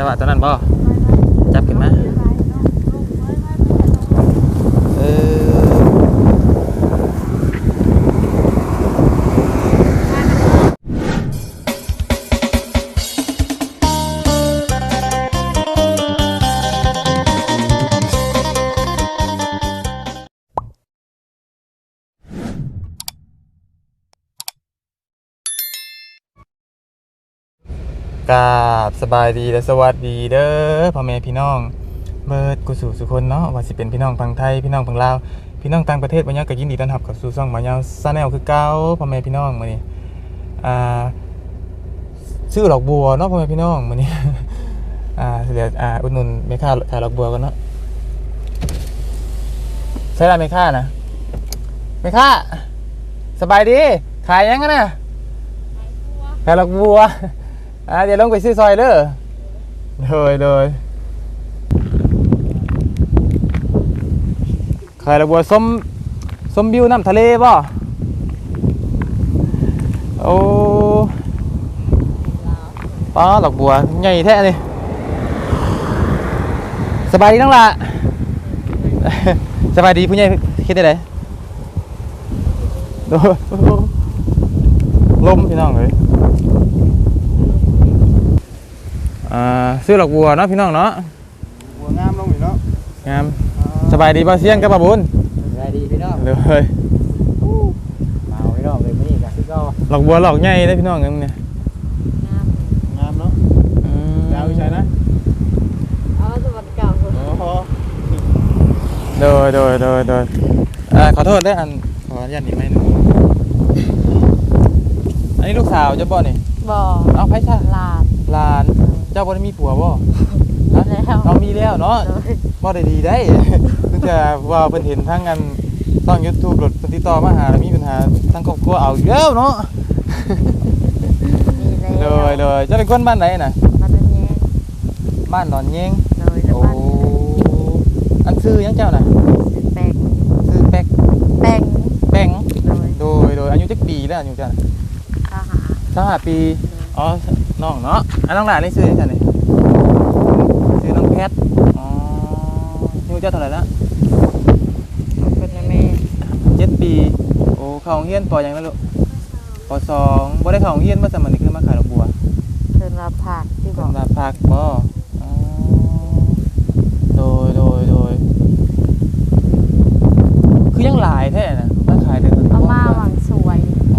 จังหวะตอนนั้นบ่จับขึ้นมากราบสบายดีและสวัสดีเด้อพ่อแม่พี่น้องเบิดกุสู่สุคนเนาะว่าสิเป็นพี่น้องฝั่งไทยพี่น้องฝั่งลาวพี่น้องต่างประเทศบ่ยังก็ยินดีต้อนรับเข้าสู่ช่องบ่าวยาวชาแนลคือเก่าพ่อแม่พี่น้องมื้อนี้ชื่อดอกบัวเนาะพ่อแม่พี่น้องมื้อนี้เดี๋ยวอุดหนุนแม่ค้าขายดอกบัวกันเนาะใช่ล่ะแม่ค้านะแม่ค้าสบายดีขายยังกันน่ะขายดอกบัวเดี๋ยวลงไปซื้อซอยเด้อเลยขายดอกบัวส้มบิวน้ำทะเลป่ะโอ้ป้าดอกบัวใหญ่แท้เลยสบายดีน้องละสบายดีผู้ใหญ่คิดได้ไหนลมพี่น้องเลยซื้อดอกบัวเนาะพี่น้องเนาะบัวงามลงอยู่เนาะงามสบายดีบ่เสี่ยงกับบ่บุญสบายดีพี่น้องเลยมาพี่น้องเลยมื้อนี้ก็คือก็ดอกบัวดอกใหญ่เด้พี่น้องเอ้ยเนี่ยงามเนาะดาวใช่นะสวัสดีเก่าโอ้โดยขอโทษได้อันขออนุญาตนิดไหมนึงอันนี้ลูกสาวเจ้าบ่นี่บ่เอาไผซะหลานเจ้าบ่ได้มีผัวบ่แล้วเรามีแล้วเนาะบ่ได้ดีได้คือจะว่าเพิ่นเห็นทั้งอันช่อง YouTube รถเพิ่นติดต่อมาหาแล้วมีปัญหาทั้งครอบครัวเอาอีกแล้วเนาะเลยเจ้าเป็นคนบ้านไหนน่ะบ้านดอนแยงโอ้อันซื้อยังเจ้าน่ะซื้อแป้งโดยอายุจักปีแล้วอายุเจ้า25 ปีอ๋อน้องเนาะน้องหลานนี่ซื้อจังได๋ซื้อน้องแพทอ๋ออายุเจ้าเท่าไหร่ละเป็นแม่ 7 ปีโอ้เข้าโรงเรียนป.หยังแล้วลูกป.2บ่ได้เข้าโรงเรียนบ่ซะมื้อนี้คือมาขายดอกบัวเพิ่นว่าผักที่บอกว่าผักบ่อ๋อโดยคือยังหลายแท้น่ะมาขายเด้อเอามาหวังสวย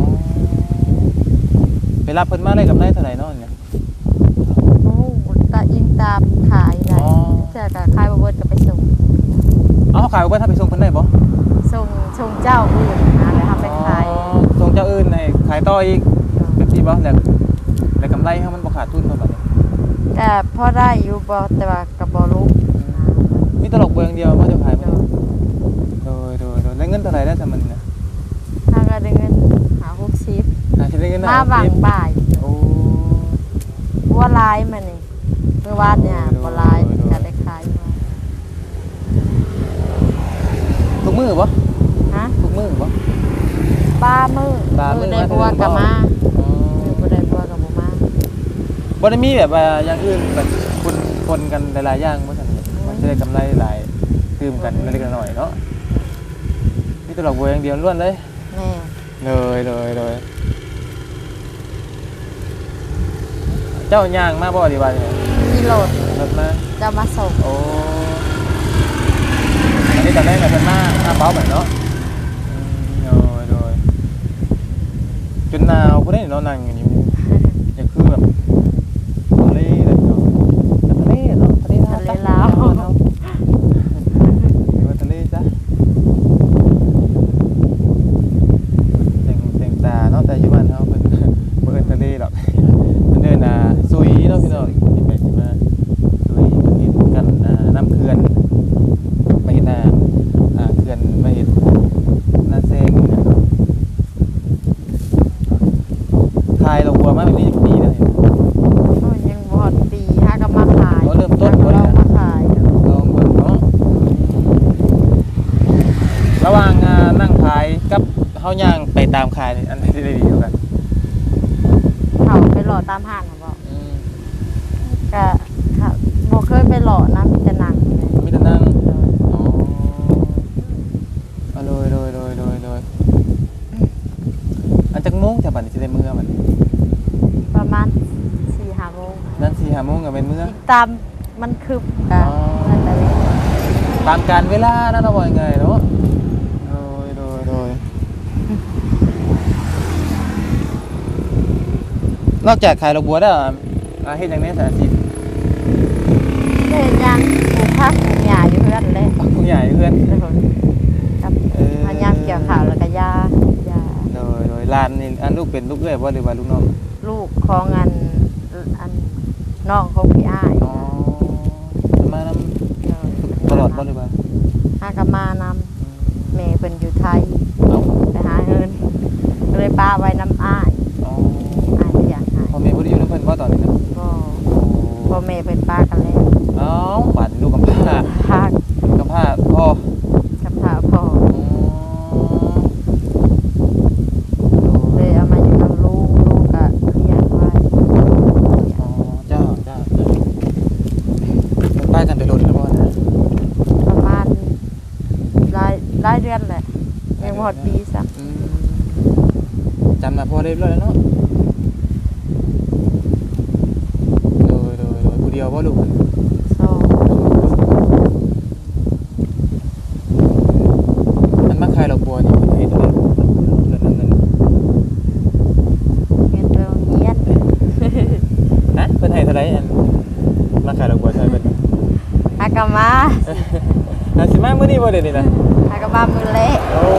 ไปรับเพิ่นมาได้กำไรเท่าไหร่เนาะเนี่ยโอ้ตาอิงตามขายได้เจ้าก็ขายบ่เบิดก็ไปส่งขายบ่เบิดถ้าไปส่งเพิ่นได้บ่ส่งเจ้าอื่นนะแล้วทำไปขายส่งเจ้าอื่นให้ขายต่ออีกแบบนี้บ่แล้วกำไรเฮามันบ่ขาดทุนเนาะบัดนี้แต่พอได้อยู่บ่แต่ว่าก็บ่รู้มีตลกเบิ่งเดียวบ่จะขายบ่โดยได้เงินเท่าไหร่ได้ซะมันน่ะถ้าก็ได้เงิน 60สิได้เงินมาบังบ่ายโอ้ว่าลายมันนี่เมื่อวานเนี่ยบ่ลายจะได้ขายมาทุกมื้อบ่ทุกมื้อบ่ป้ามื้อได้บัวกับมาบ่ได้บัวกับบ่มาบ่ได้มีแบบว่าอย่างอื่นแบบคนกันหลายๆอย่างบ่ซั่นมันจะได้กำไรหลายตื่มกันเล็กๆน้อยๆเนาะมีตลกบัวอย่างเดียวล้วนเลยแม่เลยเจ้าย่างมาบ่ดีว่าเนี่ยมีรถมาเจ้ามาส่งโอ้อันนี้ตอนแรกแบบเป็นมาเป้าแบบเนาะโดยจนหนาวพวกนี้เนาะนั่งอย่างนี้อยากคือแบบทะเลเลยเนาะทะเลลาวเนาะทะเลจ้ะแต่งตาเนาะแต่อยู่บ้านเขาเป็นเปิดทะเลหรอกเดินซุยเนาะพี่น้องไปมาซุยมันเห็นกันน้ำเขื่อนมาเห็นเขื่อนมาเห็นนาเซงทายเราบัวมาเป็นปีเลยยังบอดปีฮะก็มาขายเริ่มต้นเรามาขายลองเบิ่งเนาะระหว่างนั่งขายกับเฮาย่างไปตามขายอันไหนได้ดีกว่ากันเขาไปหล่อตามห้างเขาบอกก็บ่เคยไปหล่อนะมีแต่หนังเลยมีแต่นั่งอ๋อเอาโดยอันจักโมงจะบัดนี้สิได้มื้อบัดนี้ประมาณ 4-5 โมงนั่น4-5 โมงก็เป็นมื้อตามมันคืบกันอ๋อนั่นแต่เวลาตามการเวลานั่นเอาว่ายังไงเนาะโดยนอกจากขายดอกบัวแล้วเฮ็ดหยังแน่สาธิตเฮ็ดหยังปลูกผักปลูกหญ้าอยู่เพื่อนเลยคุณใหญ่เพื่อนกับพยายามเกี่ยวข้าวแล้วก็ยาโดยร้านนี่อันลูกเป็นลูกเอ้ยบ่หรือว่าลูกน้องลูกของอันน้องของพี่อ้ายอ๋อมานำตลอดบ่หรือว่าหากนมานำแม่เพิ่นอยู่ไทยเอ้าไปหาเงินก็เลยป้าไว้น้ำอ้ายอ๋ออ้ายบ่อยากหายพ่อแม่บ่ได้อยู่นำเพิ่นบ่ตอนนี้นะก็พ่อแม่เป็นป้ากันแล้วเอ้าบัดลูกกำพร้าพากกำพร้าพ่อกับพาพ่ออ๋อเลยเอามาอยู่กับลูกก็เลี้ยงไว้อ๋อเจ้าเพิ่นไปกันไปรถแล้วบ่นะประมาณหลายเดือนแหละยังบ่ฮอดปีซ้ำอืมจำหน้าพ่อได้เรียบร้อยแล้วเนาะโดยผู้เดียวบ่ลูกสองมันมาขายดอกบัวนี่เฮ็ดได้เงินเงินโรงเรียนนะเพิ่นให้เท่าไหร่อันมาขายดอกบัวใช่เพิ่นหากนมาน่าสิมามื้อนี้บ่เด้นี่นะหากนมามือเละโอ้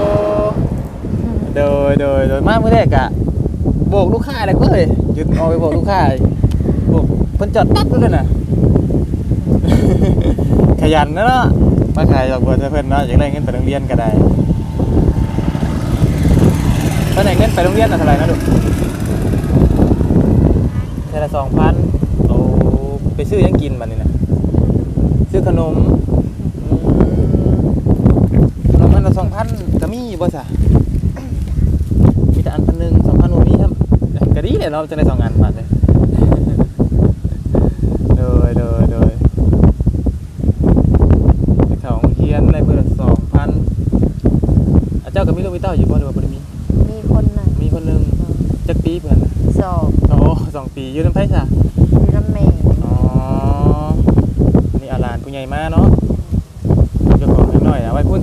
โดยมามื้อแรกอะโบกลูกค้าเลยเอ้ยหยุดเอาไปโบกลูกค้าโบกเพิ่นจอดปั๊บเลยน่ะ ขยันนะเนาะมาขายดอกบัวใช่เพิ่นเนาะอยากได้เงินไปโรงเรียนก็ได้เพิ่นให้เงินไปโรงเรียนน่ะเท่าไหร่นะลูกเท่าละ 2,000โอ้ไปซื้อหยังกินบัดนี้น่ะซื้อขนมขนมอันละ 2,000ก็มีบ่ซะมีแต่อันพันหนึ่ง 2,000บ่มีครับก็ดีแหละเนาะจังได้2อันบาทเลยโดยไปเข้าโรงเรียนได้เพิ่นละ 2,000เจ้าก็มีลูกมีเต้าอยู่บ่หรือว่าบ่ได้มีมีคนหนึ่งมีคนหนึงจักปีเพิ่นน่ะสอบโอ้2 ปีอยู่นำไผซะมีน้ำเมย์อ๋อนี่อาหลานผู้ใหญ่มาเนาะเจ้าของเล็กน้อยเอาไว้พุ่น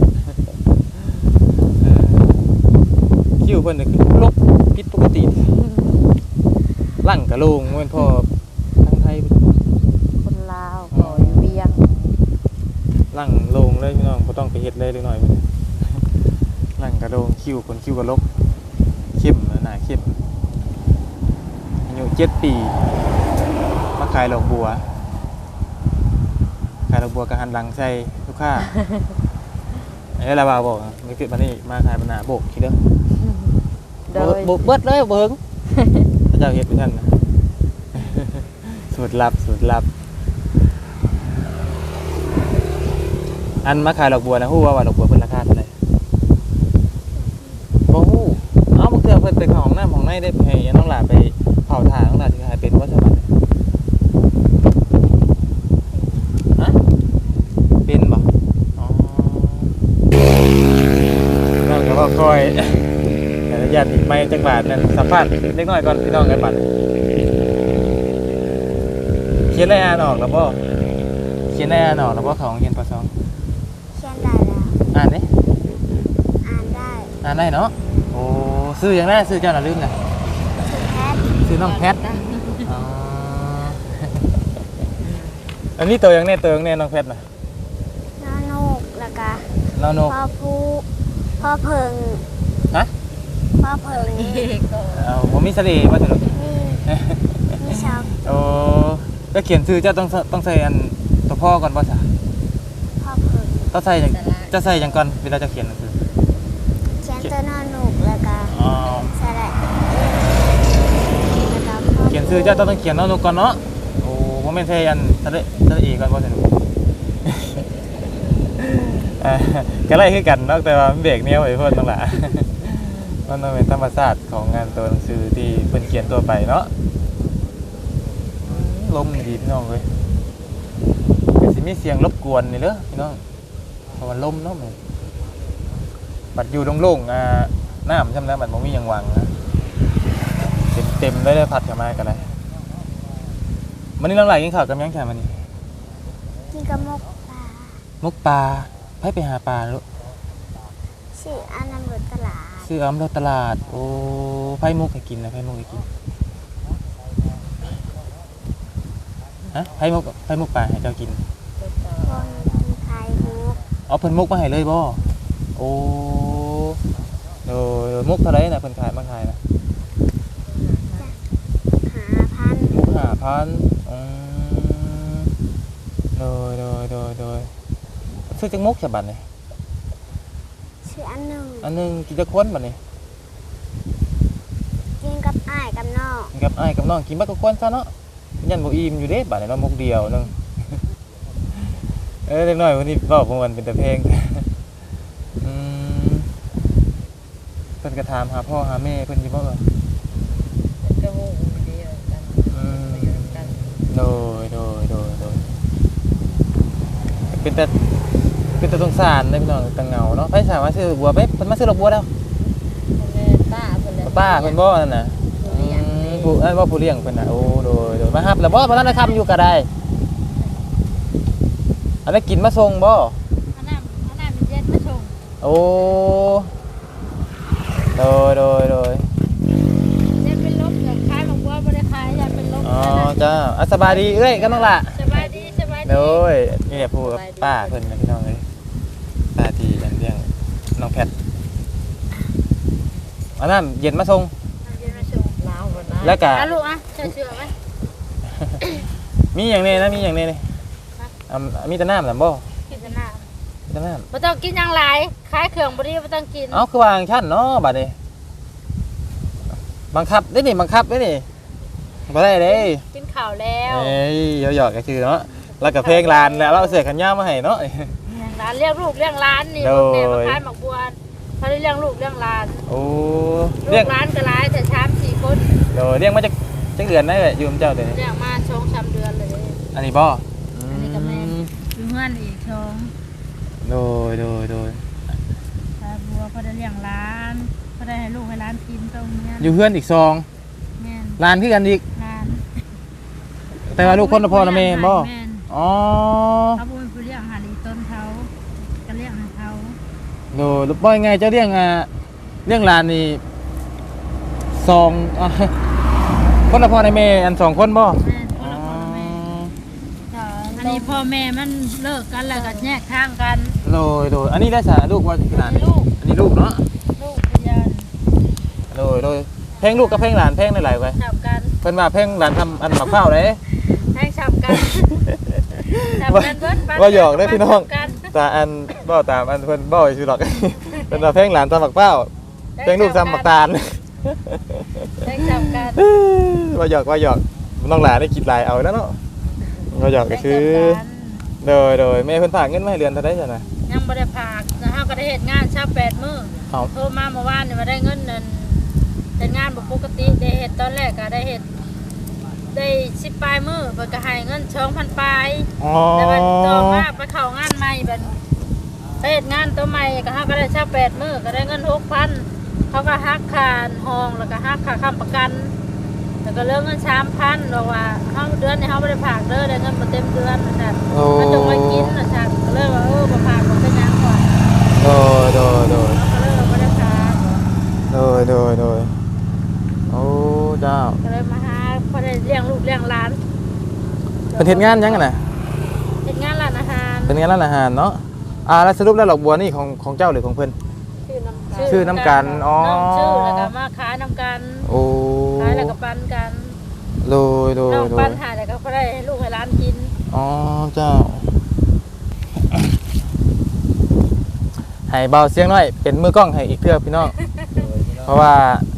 คิวเพิ่นน่ะคือลบผิดปกติหลังกะโลงเหมือนพ่อทางไทยคนลาวก็อยู่เวียงหลังโลงเลยพี่น้องบ่ต้องไปเฮ็ดเลยเล็กน้อยเพิ่นหลังกะโลงคิวคนคิวกะลกเข้มหน้าเข้มอายุ7 ปีมาขายดอกบัวก็หันหลังใส่ลูกค้า ไอ้ลาวาบอกมีเกิดมานี่มาขายปัญหาโบกทีเดียวโดยโบกเบิดเลยเบิ้งพระเจ้าเฮ็ดเป็นท่านนะ สูตรลับอันมาขายดอกบัวนะฮู้ว่าดอกบัวเพิ่นราคาเท่าไหร่บ่ฮู้เอ้าบ่เทื่อเพิ่นไปเข้าห้องน้ำห้องในได้ให้น้องหลาไปเผาถ่านน้องหลาสิขายเป็นบ่ซะบัดนี้ฮะเป็นบ่อ๋อน้องก็บ่ค่อย ญาติไม่จังหวัดนั่นสัมภาษณ์เล็กน้อยก่อนพี่น้องกันบัดเขียนได้อ่านออกแล้วบ่เขียนได้อ่านออกแล้วบ่ของเรียนป .2 เขียนได้แล้วอ่านดิอ่านได้อ่านได้เนาะโอ้ซื้ออย่างแรกซื้อเจ้าน่ะลืมน่ะคือแพทย์ซื้อน้องแพทอ๋อ อันนี้ตัวอย่างแน่น้องแพทน่ะน้องนกแล้วก็น้องนกพ่อผู้พ่อเพิงฮะพ่อเพิงนี่บ่มีเสน่ห์ว่าซั่นมีชอบโอ้แล้วเขียนชื่อเจ้าต้องใส่อันตัวพ่อก่อนบ่ซะพ่อเพิงต้องใส่จังจะใส่จังก่อนเวลาจะเขียนหนังสือเขียนตัวนอนนกแล้วก็อ๋อสระแล้วก็พ่อเขียนชื่อเจ้าต้องเขียนน้องนกก่อนเนาะโอ้บ่แม่นใส่อันสระเอก่อนบ่ซั่น ก็ไล่คือกันเนาะแต่ว่ามันเบรกแนวไอ้เพิ่นนั่นล่ะ มันต้องเป็นธรรมชาติของงานตัวหนังสือที่เพิ่นเขียนตัวไปเนาะลมดีพี่น้องเอ้ยมีเสียงรบกวนนี่เด้อพี่น้องเพราะว่าลมเนาะมันบัดอยู่โล่งๆน้ำจำแล้วบัดบ่มีหยังหวังนะเต็มเลยพัดเข้ามากันเลยมันนี่น้องไหลกินข้าวกับยังแค่มันนี่กินกับมกปลามุกปลาไปหาปลาลูกชื่ออันนำรถตลาดซื้ออ้ำเราตลาดโอ้ไผมุกให้กินนะไผมุกให้กินฮะไผมุกปลาให้เจ้ากินคนกินไข่มุกเอาเพิ่นมุกมาให้เลยบ่โอ้โดยมุกเท่าไหร่น่ะเพิ่นขายมาขายนะ 5,000 มุก5,000โดยซื้อจังมุกฉบับนี่ชื่ออันหนึ่งอันนึงกินจักคนบัดนี้กินกับอ้ายกับน้องกินกับอ้ายกับน้องกินบักกับคนซะเนาะยันบ่อิ่มอยู่เด้บัดนี้เนาะมุกเดียวนึง เล็กน้อยวันนี้เว้าบ่ม่วนเป็นแต่เพลง เพิ่นก็ถามหาพ่อหาแม่เพิ่นอยู่บ่เอ่ยมันก็หูเดียวกันกันโดยเป็นแต่สงสารเลยพี่น้องตังเหงาเนาะไผสามารถซื้อบัวไปเพิ่นมาซื้อดอกบัวแล้วแม่ป้าเพิ่นเลยป้าเพิ่นบ่นั่นน่ะผู้ว่าผู้เลี้ยงเพิ่นน่ะโอ้โดยมารับแล้วบ่นั้นทำอยู่ก็ได้อันนั้นกินมาส่งบ่อันนั้นมันเย็นมาชงโอ้โดยเย็นเป็นลบกับขายบางบัวบ่ได้ขายยันเป็นลบอ๋อจ้าสบายดีเอ้ยก็น้องล่ะสบายดีโดยนี่แหละพูดกับป้าเพิ่นนะพี่น้องเลยป้าที่เลี้ยงน้องแพทอันนั้นเย็นมาส่งเย็นมาชงหนาวบ่นะแล้วก็ลูกอ่ะเชื่อไหมมีอย่างนี้นะมีอย่างนี้นี่มีแต่น้ำน่ะบ่กินแต่น้มีแต่น้ำบ่ต้องกินอย่างหลายขายเครื่องบ่ดีบ่ต้องกินำเอ้าคือวางชั้นเนาะบัดนี้บังคับได้นี่บังคับได้นี่บ่ได้เด้กินข้าวแล้วเอ้ยหยอกๆก็คือเนาะแล้วก็เพลงลานแล้วเราเอาเสื้อกันยาวมาให้เนาะอย่างร้านเลี้ยงลูกเลี้ยงหลานนี่โดยแม่มาขายหมักบัวเขาได้เลี้ยงลูกเลี้ยงหลานโอ้ลูเรียกกหลานก็หลายแต่3-4คนเดี๋ยวเรียกมาจากเดือนได้เลยอยู่กับเจ้าเดี๋ยวนี้เลี้ยงมา2-3เดือนเลยอันนี้บ่อันนี้ก็แม่น อยู่เฮือนอีกช่องโดยตาบัวเขาได้เลี้ยงหลานเขาได้ให้ลูกให้หลานกินตรงเนี้ยอยู่เพื่อนอีกซองแม่นลานคือกันอีกหลานแต่ว่าลูกคนละพ่อละแม่บ่แม่นอ๋อเขาบ่ไปเลี้ยงหาลีต้นเขาก็เลี้ยงให้เขาโดลูกบ่ยังไงเจ้าเลี้ยงเลี้ยงลานนี่ซองคนละพ่อละแม่อัน2คนบ่แม่นคนละพ่อละแม่อันนี้พ่อแม่มันเลิกกันแล้วก็แยกทางกันโดยอันนี้ได้สาลูกว่าขนาดลูกอันนี้ลูกเนาะลูกพยานโดยเพลงลูกกับเพลงหลานเพลงหลายๆไว้จับกันเพิ่นว่าเพลงหลานทำอันหมักข้าวเด้ให้จับกันจับกันเบิดปัว่าหยอกเด้อพี่น้องจับกันตาอันบ่ตามอันเพิ่นบ่สิหรอก เพิ่นว่าเพลงหลานทำหมักข้าวเพลงลูกทำหมักตาลให้จับกันว่าหยอกน้องหลานได้คิดหลายเอาแล้วเนาะว่าหยอกก็คือให้จับกันโดยแม่เพิ่นฝากเงินมาให้เดือนเท่าไดจ้ะนะยังบ่ได้พากนะเฮาก็ได้เฮ็ดงานชา8มื้อเอาโทรมาเมื่อวานนี่มาได้เงินนั่นเป็นงานบ่ปกติได้เฮ็ดตอนแรกก็ได้เฮ็ดได้10ปลายมื้อเพิ่นก็ให้เงิน 2,000 ปลายอ๋อแต่ว่าต่อมาไปเข้างานใหม่บัดไปเฮ็ดงานตัวใหม่ก็เฮาก็ได้ชา8มื้อก็ได้เงิน 6,000เขาก็หักค่าห้องแล้วก็หักค่าค้ำประกันแล้วก็เหลือเงิน 3,000บอกว่าเฮาเดือนนี้เฮาบ่ได้ฝากเด้อได้เงินบ่เต็มเดือนว่าซั่นโอ้ก็จงไว้กินว่าซั่นก็เลยว่าบ่ฝากบ่เป็นหยังก่อนโดยก็เลยว่าบ่ได้ฝากโดยโอ้เจ้าก็เลยมาหาพอได้เลี้ยงลูกเลี้ยงหลานเพิ่นเฮ็ดงานยังกันน่ะเฮ็ดงานร้านอาหารเป็นงานร้านอาหารเนาะแล้วสรุปแล้วดอกบัวนี่ของเจ้าหรือของเพิ่น ชื่อน้ำกันอ๋อน้องชื่อแล้วก็มาขายน้ำกันโอ้ขายแล้วก็ปันกันโดยน้องปันหาแล้วก็พอได้ให้ลูกให้หลานกินอ๋อเจ้าให้เบาเสียงหน่อยเป็นมือกล้องให้อีกเทื่อพี่น้อง เพราะว่า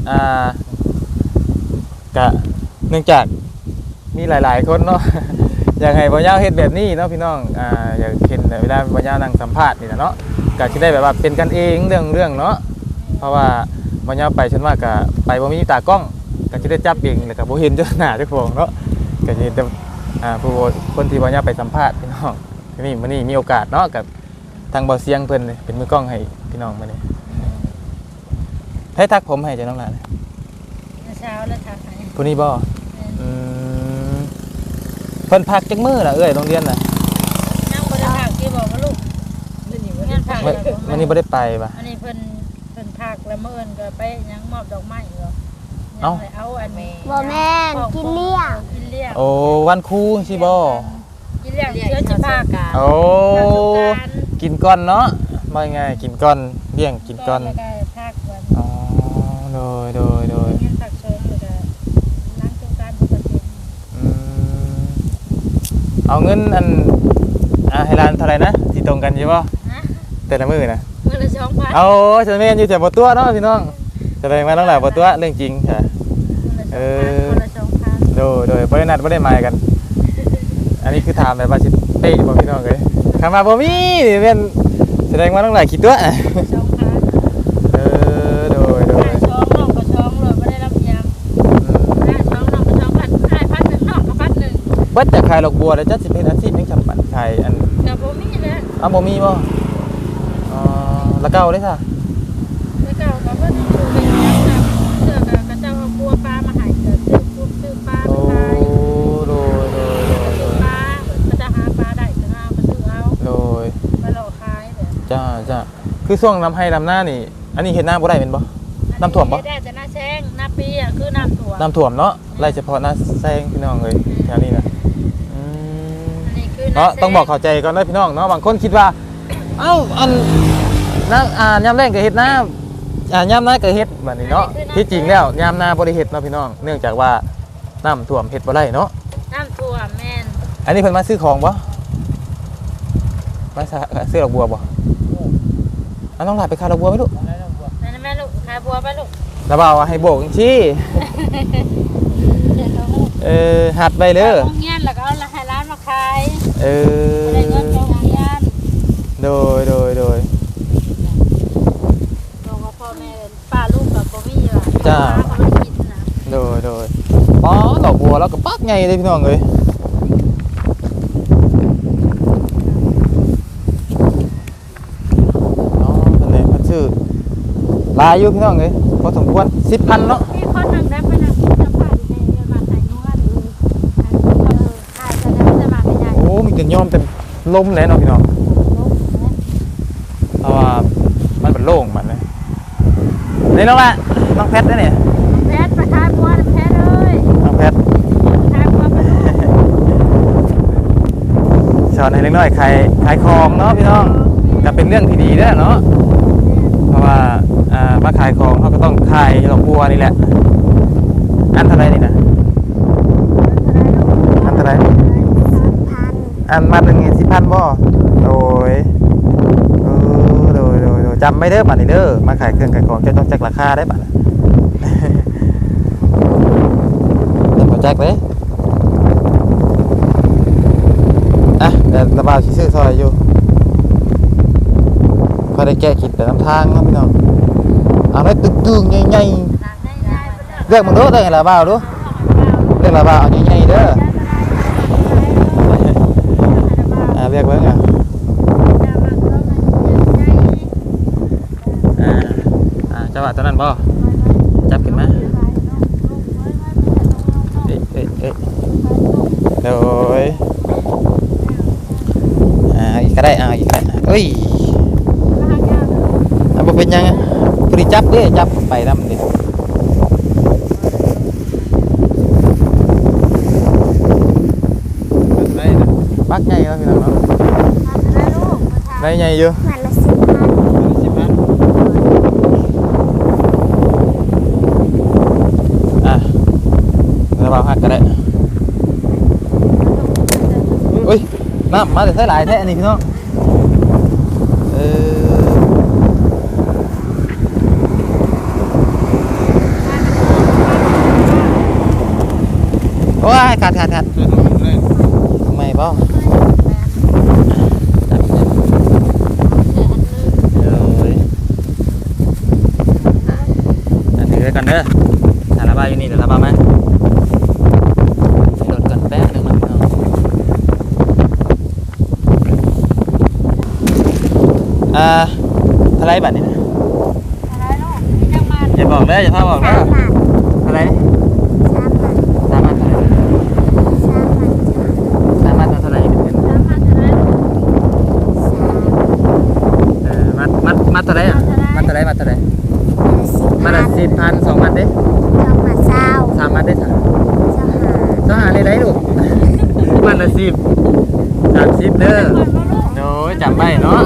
ก็เนื่องจากมีหลายๆคนเนาะ อยากให้บ่ยาวเฮ็ดแบบนี้เนาะพี่น้องอยากเห็นเวลาบ่ยาวนั่งสัมภาษณ์นี่นะเนาะก็สิได้แบบว่าเป็นกันเองเรื่องเนาะเพราะว่าบ่ยาวไปฉันว่าก็ไปบ่มีตากล้องก็สิได้จับเองแล้วก็บ่เห็นเจ้าหน้าเจ้าของเนาะก็สิเห็นแต่ผู้คนที่บ่ยาวไปสัมภาษณ์พี่น้องนี่มื้อนี้มีโอกาสเนาะกับทางเบาเสียงเพิ่นเป็นมือกล้องให้พี่น้องมื้อนี้ให้ทักผมให้จ้ะน้องหลานเช้าแล้วทักให้ผู้นี้บ่เพิ่นพักจักมื้อล่ะเอ้ยโรงเรียนน่ะนั่งบ่ได้พักที่บอกว่าลูกงานพักวันนี้บ่ได้ไปป่ะอันนี้เพิ่นพักแล้วมื้ออื่นก็ไปยังมอบดอกไม้เหรอเอาอันนี้บ่แม่นกินเลี้ยงกินเลี้ยงโอ้วันครูสิบ่กินเลี้ยงเชื้อจิพากาโอ้กินก่อนเนาะว่าไงกินก่อนเลี้ยงกินก่อนแล้วก็พักวันอ๋อโดยงานพักชมแล้วก็ล้างตู้การปกติเอาเงินอันให้ร้านเท่าไหร่นะที่ตรงกันใช่ป่ะฮะแต่ละมื้อนะมื้อละ2,000 เอาฉันแม่นอยู่แต่บ่ตัวเนาะพี่น้องแสดงว่าน้องหลานบ่ตัวเรื่องจริงค่ะมื้อละ2,000 โดยบ่ได้นัดบ่ได้หมายกัน อันนี้คือถามแบบว่าสิเป๊ะบ่พี่น้องเอ้ยคำว่าบ่มีนี่แม่นแสดงว่าน้องหลานคิดตัว 2,000 โดยช่องน้องก็ช่องเลยไม่ได้รับยังช่องน้องก็ช่องพันหนึ่งน้องก็พันหนึ่งเบิดจะขายดอกบัวแล้วจะสิเป็นอาชีพยังจำปันขายอันกับผมมีเลยบ่มีบ่อ๋อแล้วเก่าได้ซะแล้วก็กับเพื่อนอยู่เป็นยังแบบเสื้อกับกระเจ้าเอาบัวปลามาหายกับซื้อปลาโอ้ขายโดยปลาก็จะหาปลาได้ก็เอาไปซื้อเอาโดยไปหลอกขายแบบจ้าคือช่วงน้ำให้น้ำหน้านี่อันนี้เห็นหน้าบ่ได้เป็นบ่น้ำท่วมบ่ได้แต่หน้าแซงหน้าปีอ่ะคือน้ำท่วมน้ำท่วมเนาะไล่เฉพาะหน้าแซงพี่น้องเลยแถวนี้นะอันนี้คือเนาะต้องบอกเข้าใจก่อนนะพี่น้องเนาะบางคนคิดว่าเอ้าอันน้ำยามแรงก็เฮ็ดน้ำยามหน้าก็เฮ็ดแบบนี้เนาะที่จริงแล้วยามหน้าบ่ได้เฮ็ดเนาะพี่น้องเนื่องจากว่าน้ำท่วมเฮ็ดบ่ได้เนาะน้ำท่วมแม่นอันนี้เพิ่นมาซื้อของบ่มาซื้อดอกบัวบ่อันน้องหลานไปขายดอกบัวไหมลูกนั่นแม่ลูกขายบัวไปลูกแล้วบ่าวให้โบกจังซี่หัดไปเด้อโรงเรียนแล้วก็เอาให้ร้านมาขาย ได้เงินโรงเรียนโดยบอกว่าพ่อแม่ป้าลูกกับบ่มีว่ะจ้าเขาไม่กินนะอ๋อดอกบัวแล้วก็ปักไงเลยพี่น้องเอ้ยอ๋อเพิ่นเลยเพิ่นซื้อหลายอยู่พี่น้องเอ้ยพอสมควร 10,000 เนาะมีคนหนึ่งได้ไปนั่งกินน้ำผ้าอยู่ในเรือนมาขายนวดขายจะได้จะมาขยายโอ้มีแต่ยอมแต่ลมเลยเนาะพี่น้องเพราะว่ามันเป็นโล่งมันเลยนี่น้องละน้องแพทได้เนี่ยแพทย์ประทานบัวแพทย์เอ้ยน้องแพทประทานบัวไปลูกสอนให้เล็กน้อยขายของเนาะพี่น้องก็เป็นเรื่องที่ดีเด้อเนาะเพราะว่ามาขายของเขาก็ต้องขายดอกบัวนี่แหละอันเท่าไรนี่นะอันเท่าไร 10,000 อันมาหนึ่ง10,000บ่โดยจำไม่เด้อบัดนี้เด้อมาขายเครื่องขายของจะต้องแจ็คราคาได้บัดน่ะ เดี๋ยวมาแจ็คเลยอ่ะเดี๋ยวระบายซื้อซอยอยู่พอได้แก้คิดแต่น้ำทางเนาะพี่น้องเอาได้ตึงๆใหญ่ๆเลือกมึงดูได้ระบายดูเลือกระบายเอาใหญ่ๆเด้อเรียกไว้ไงจังหวะตอนนั้นบ่จับขึ้นมาโดยอีกก็ได้อีกก็ได้เอ้ยบ่เป็นยังพอดีจับเด้จับไปนำดิปักใหญ่แล้วพี่น้องเนาะได้ใหญ่อยู่มันละ10,000 ระบายหักก็ได้อุ้ยน้ำมาแต่ใส่หลายแท้อันนี้พี่น้องโอ้ยขาดทำไมเปล่าถือกันเด้อถ่ายระบายอยู่นี่เดี๋ยวระบายมาโดดกันแป๊บนึงนะพี่น้องาไรบัดนี้นะอะไรลูกมีจังมาอย่าบอกเลยอย่าพาบอกสานะมบาทเท่าไรสามบาท 3 มัดเท่าไรสามบาท 3 มัดเท่าไรเป็นเงินสามพันเท่าไหร่มัดเท่าไรอ่ะมัดเท่าไรมัดเท่าไร มัดละ 10,000 10,000 2 มัดเด้สองบาทเศร้า 3 มัดเด้จ้ะเจ้าหาต้องหาเลยได้ลูก มัดละ10 30เด้อโอ้ยจำไว้เนาะ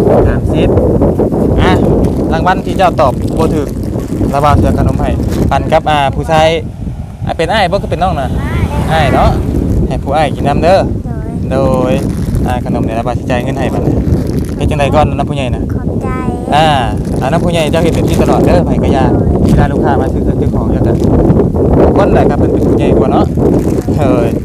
30อ่ะรางวัลที่เจ้าตอบบ่ถูกระบาดเสือขนมให้ปันกับผู้ชายเป็นอ้ายบ่คือเป็นน้องน่ะอ้ายเนาะให้ผู้อ้ายกินน้ำเด้อโดยโดยขนมเนี่ยระบาดสิจ่ายเงินให้บัดนี้เฮ็ดจังไดก่อนน้ำผู้ใหญ่น่ะขอบใจน้ำผู้ใหญ่เจ้าเฮ็ดเป็นที่ตลอดเด้อไผก็อย่าเวลาลูกค้ามาซื้อเครื่องซื้อของเจ้าก็คนใดครับเป็นผู้ใหญ่กว่าเนาะเฮ้ย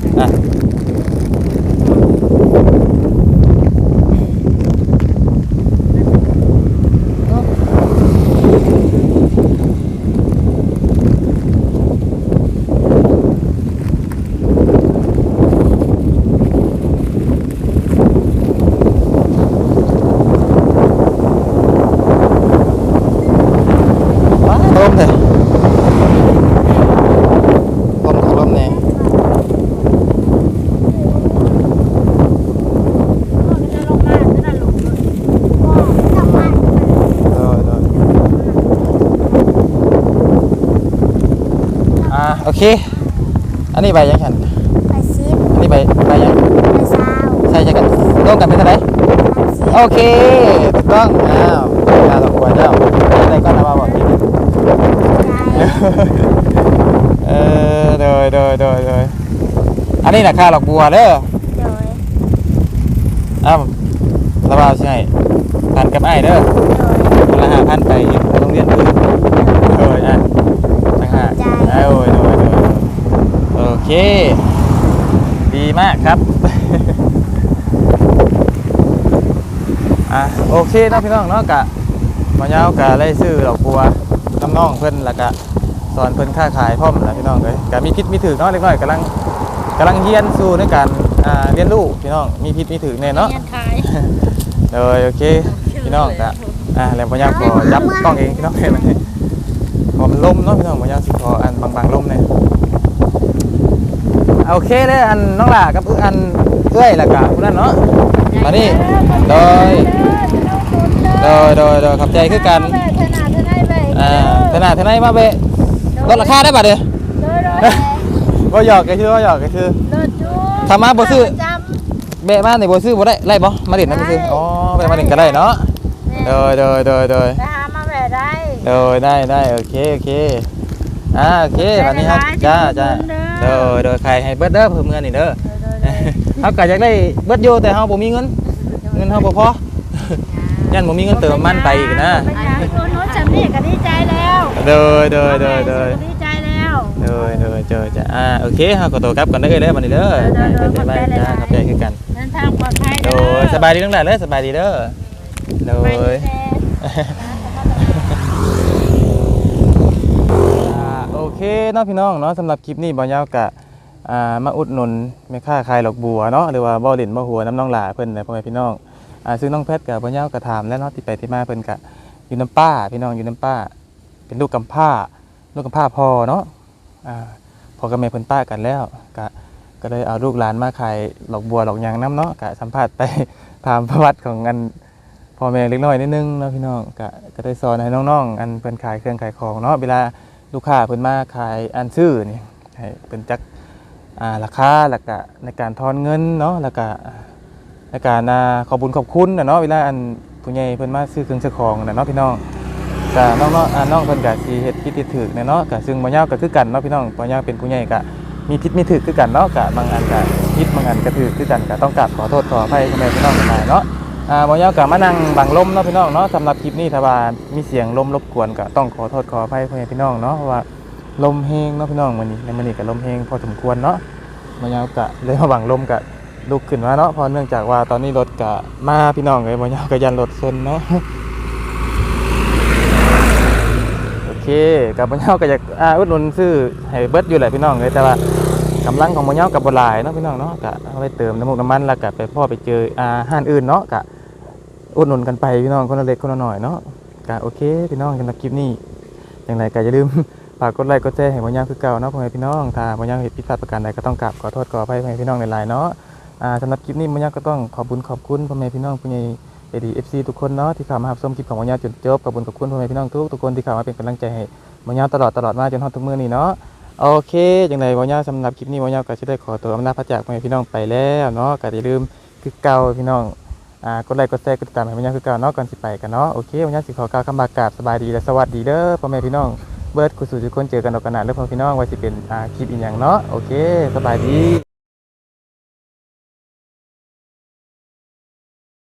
ลมเลยลมเนี่ยจะลงมาจะได้ลูกต้องมาโอเคอันนี้ใบยังฉันไปซิปอันนี้ใบยังไปเศร้าใช่กันร่วมกันเป็นเท่าไหร่ไปซิปโอเคถูกต้องข้าดอกบัวเจ้าอะไรก็นะมาบอกกินโดยอันนี้นะข้าดอกบัวเด้อโดยระบาดใช่พันกับไอ้เด้อโดยคนละ5,000ไปโรงเรียนอื่นต่างหากโดยโอเคดีมากครับโอเคเนาะพี่น้องเนาะกะมาเย้ากะไล่ซื้อดอกบัวน้องเพิ่นแล้วก็สอนเพิ่นค้าขายพร้อมแล้วพี่น้องเลยกะมีพิษมีถือเนาะเล็กน้อยกำลังเรียนสู้ในการเรียนรู้พี่น้องมีพิษมีถือแน่เนาะเงินขายเลยโอเคพี่น้องกะแล้วมาเย้าขอจับกล้องเองพี่น้องเห็นไหมพอมันล่มเนาะพี่น้องมาเย้าสิขออันบางๆล่มเนี่ยโอเคเด้ออันน้องหล่ากับอันเอ้ยแล้วก็พวกนั้นเนาะมานี่โดยขับใจคือกันขนาดไหนมาเบะลดราคาได้ป่ะเด้อบ่หยอกก็คือทำมาบ่ซื้อเบะมาในบ่ซื้อบ่ได้ไล่บ่มาเด่นนั่นซื้ออ๋อเบะมาเด่นก็ได้เนาะโดยไปหามาแบบได้ได้โอเคโอเควันนี้ครับจ้าโดยใครให้เบิดเด้อเพิ่มเงินนี่เด้อเฮาก็อยากได้เบิดอยู่แต่เฮาบ่มีเงินเฮาบ่พอยันบ่มีเงินเติมมันไปอีกนะไปหาคนโน้นจำนี่ก็ดีใจแล้วโดยดีใจแล้วเจอจ้ะโอเคเฮาก็โตกลับกันเด้อเด้อบัดนี้เด้อไปจ้าขอบใจคือกันเดินทางปลอดภัยโดยสบายดีทั้งหลายเลยสบายดีเด้อโดยโอเคเนาะพี่น้องเนาะสำหรับคลิปนี้บ่ยาวกะมาอุดหนุนแม่ค้าขายดอกบัวเนาะหรือว่าบ่อดินบ่หัวน้ำน้องหลาเพิ่นนะพ่อแม่พี่น้องซึ่งน้องเพชรกับบ่ยาวกะถามแล้วเนาะที่ไปที่มาเพิ่นกะอยู่น้ำป้าพี่น้องอยู่น้ำป้าเป็นลูกกำพร้าพ่อเนาะพ่อกับแม่เพิ่นป้ากันแล้วก็เลยเอาลูกหลานมาขายดอกบัวดอกยางน้ำเนาะกะสัมภาษณ์ไปถามประวัติของอันพ่อแม่เล็กน้อยนิดนึงเนาะพี่น้องก็ได้สอนให้น้องๆอันเพิ่นขายเครื่องขายของเนาะเวลาลูกค้าเพิ่นมาขายอันซื้อนี่ให้เพิ่นจักราคาแล้วก็ในการทอนเงินเนาะแล้วก็ในการขอบคุณเนาะเวลาอันผู้ใหญ่เพิ่นมาซื้อเครื่องซื้อของเนาะพี่น้องก็น้องเพิ่นก็สิเฮ็ดผิดถูกเนาะก็ซึ่งบ่ยาวก็คือกันเนาะพี่น้องบ่ยาวเป็นผู้ใหญ่ก็มีผิดมีถูกคือกันเนาะก็บางอันก็ผิดบางอันก็ถูกคือกันก็ต้องกราบขอโทษขออภัยพ่อแม่พี่น้องทั้งหลายเนาะบ่ยาวก็มานั่งบังลมเนาะพี่น้องเนาะสำหรับคลิปนี้ถ้าว่ามีเสียงลมรบกวนก็ต้องขอโทษขออภัยพ่อแม่พี่น้องเนาะเพราะว่าลมแห้งเนาะพี่น้องมื้อนี้ก็ลมแห้งพอสมควรเนาะบ่ยาวก็เลยมาบังลมก็ลุกขึ้นมาเนาะเพราะเนื่องจากว่าตอนนี้รถก็มาพี่น้องเลยบ่ยาวก็ยันรถชนเนาะโอเคกับบ่ยาวก็อยากอุดหนุนซื้อให้เบิดอยู่แหละพี่น้องเลยแต่ว่ากำลังของบ่ยาวกับบ่หลายเนาะพี่น้องเนาะก็เอาไปเติมน้ำมันแล้วก็ไปพ่อไปเจอห้านอื่นเนาะก็อุดหนุนกันไปพี่น้องคนละเล็กคนละน้อยเนาะก็โอเคพี่น้องสำหรับคลิปนี้อย่างไรก็อย่าลืม ฝากกดไลค์กดแชร์ให้บ่ยาวคือเก่าเนาะพ่อแม่พี่น้องถ้าบ่ยาวเฮ็ดผิดพลาดประการใดก็ต้องกราบขอโทษขออภัยพ่อแม่พี่น้องหลายๆเนาะสำหรับคลิปนี้บ่ยาวก็ต้องขอบคุณพ่อแม่พี่น้องผู้ใหญ่ใจดี FC ทุกคนเนาะที่เข้ามารับชมคลิปของบ่ยาวจนจบขอบคุณพ่อแม่พี่น้องทุกคนที่เข้ามาเป็นกำลังใจให้บ่ยาวตลอดมาจนฮอดทุกมื้อนี้เนาะโอเคจังไดบ่ยาวสำหรับคลิปนี้บ่ยาวก็สิได้ขอตัวอำลาพระจากพ่อแม่พี่น้องไปแล้วเนาะก็อย่าลืมคือเก่าพี่น้องกดไลค์กดแชร์กดติดตามให้บ่ยาวคือเก่าเนาะก่อนสิไปกันเนาะโอเคบ่ยาวสิขอกล่าวคำบากราบสบายดีและสวัสดีเด้อพ่อแม่พี่น้องเบิร์ดกุศลทุกคนเจอกันออกกันหน้าเรื่องพ่อพี่น้องไว้สิเป็นคลิปอีกอย่างเนาะโอเคสบายดี